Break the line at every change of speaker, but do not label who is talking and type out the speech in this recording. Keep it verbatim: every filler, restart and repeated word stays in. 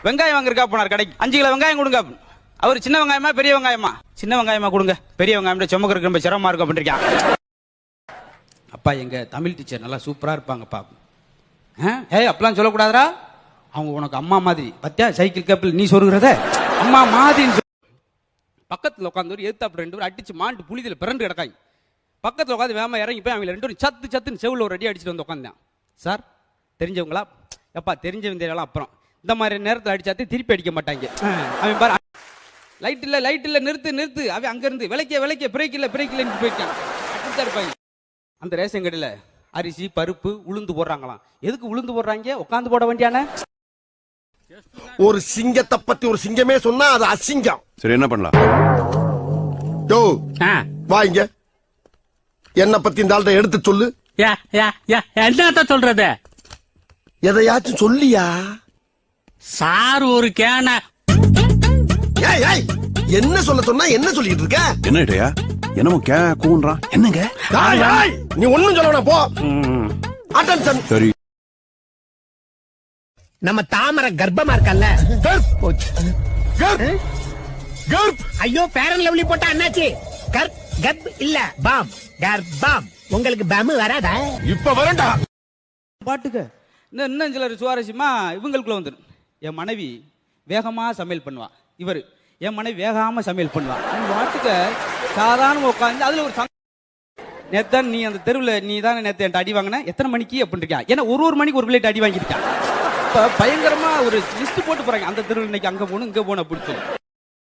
வெங்காயம் வாங்கிருக்கா போனார் கடைக்கு. அஞ்சு கிலோ வெங்காயம் கொடுங்க. அவர் சின்ன வெங்காயமா பெரிய வெங்காயமா? சின்ன வெங்காயமா கொடுங்க, பெரிய வெங்காயம் சுமக்கிறதுக்கு ரொம்ப சிரமமா இருக்கும் அப்படின்ட்டு. அப்பா எங்க தமிழ் டீச்சர் நல்லா சூப்பரா இருப்பாங்கப்பா. ஏய் அப்பெல்லாம் சொல்லக்கூடாதுரா, அவங்க உனக்கு அம்மா மாதிரி. பத்தியா சைக்கிள் கப்பில் நீ சொல்லுகிறத அம்மா மாதிரி. பக்கத்தில் உட்காந்து ஒரு எதிர்த்தாப்பு ரெண்டு பேரும் அடிச்சு மாண்டு புளிதில் பிறண்டு கிடக்காங்க. பக்கத்தில் உட்காந்து வேமா இறங்கி போய் அவங்க ரெண்டு பேரும் சத்து சத்துன்னு செவில் ஒரு அடி அடிச்சுட்டு வந்து உட்காந்தேன். சார் தெரிஞ்சவங்களா? எப்பா தெரிஞ்சவங்க தெரியலாம். அப்புறம் இந்த மாதிரி நேரத்தில் அடிச்சாத்து திருப்பி அடிக்க மாட்டாங்க. அவன் பாரு லைட் இல்லை லைட் இல்லை நிறுத்து நிறுத்து. அவன் அங்கேருந்து விலைக்க விலைக்க பிரேக் இல்லை பிரேக் இல்லைன்னு போயிட்டான். அப்படித்தான் இருப்பாங்க. அந்த ரேஷன் கடையில் அரிசி பருப்பு உளுந்து போடுறாங்களாம். எதுக்கு உளுந்து போடுறாங்க? உட்காந்து போட வேண்டியான.
ஒரு சிங்கத்தை பத்தி ஒரு சிங்கமே சொன்னா அது அசிங்கம்.
சரி என்ன பண்ணலாம்?
யோ வாங்க, என்ன பத்தி இந்த ஆள்கிட்ட எடுத்து சொல்லு.
என்ன சொல்றது?
எதையாச்சும் சொல்லியா?
சார் ஒரு கேன.
என்ன சொல்ல சொன்னா என்ன சொல்லிட்டு இருக்க?
என்ன இடையா என்னமோ கே கூன்றான். என்னங்க
நீ ஒண்ணும் சொல்ல போ. அட்டென்ஷன்.
சரி
நம்ம தாமரை கர்ப்பமா இருக்கல்ல. ஐயோ பேரன் லவ்லி போட்டா என்னாச்சு? கர்ப் கர்ப் இல்ல பாம் கர்ப்பம். உங்களுக்கு பாம் வராதா?
இப்ப வரண்டா
பாட்டுக்கு. இன்னும் சிலர் சுவாரஸ்யமா இவங்களுக்குள்ள வந்துடும். என் மனைவி வேகமா சமையல் பண்ணுவா. இவர் என் மனைவி வேகாம சமையல் பண்ணுவா. பாட்டுக்கு சாதாரண உட்காந்து அதுல ஒரு நேத்தான் நீ அந்த தெருவில் நீ தானே நேற்று என்கிட்ட அடி வாங்கின, எத்தனை மணிக்கு அப்படின்னு இருக்கா. ஏன்னா ஒரு ஒரு மணிக்கு ஒரு பிளேட் அடி வாங்கியிருக்கான். பயங்கரமா ஒரு லிஸ்ட் போட்டு போறாங்க. அந்த தெருவில் இன்னைக்கு அங்க போகணும் இங்க போகணும் அப்படின்னு சொல்லி.